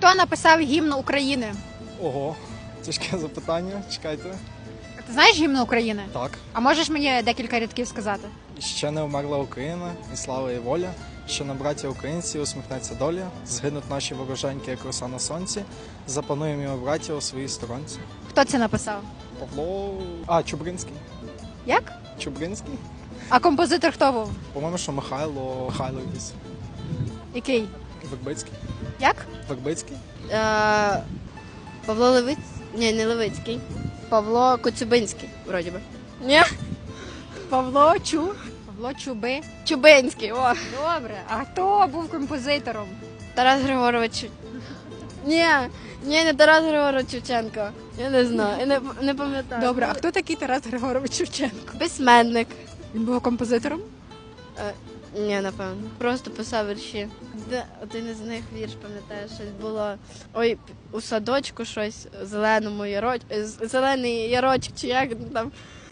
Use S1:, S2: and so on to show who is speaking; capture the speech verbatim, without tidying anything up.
S1: Хто написав гімн України?
S2: Ого, тяжке запитання, чекайте.
S1: Ти знаєш гімн України?
S2: Так.
S1: А можеш мені декілька рядків сказати?
S2: Ще не вмерла Україна, і слава і воля, що на браті українці усміхнеться доля, згинуть наші вороженьки, як роса на сонці, запануємо його браття у своїй сторонці.
S1: Хто це написав?
S2: Павло... А, Чубринський.
S1: Як?
S2: Чубринський?
S1: А композитор хто був?
S2: По-моєму, що Михайло... Михайло якийсь.
S1: Який?
S2: Вербицький.
S1: Як?
S2: Вербицький?
S3: Е, Павло Левиць... Ні, не Левицький. Павло Коцюбинський, вроді би. Ні?
S1: Павло Чу. Павло Чуби.
S3: Чубинський, о.
S1: Добре. А хто був композитором?
S3: Тарас Григорович. Ні, ні, не Тарас Григорович Шевченко. Я не знаю, я не, не пам'ятаю.
S1: Добре, а хто такий Тарас Григорович Шевченко?
S3: Письменник.
S1: Він був композитором?
S3: Е, ні, напевно. Просто писав вірші. Де один із них вірш, пам'ятаєш, щось було. Ой, у садочку щось, зеленому яроч... з- зелений ярочок, чи як там.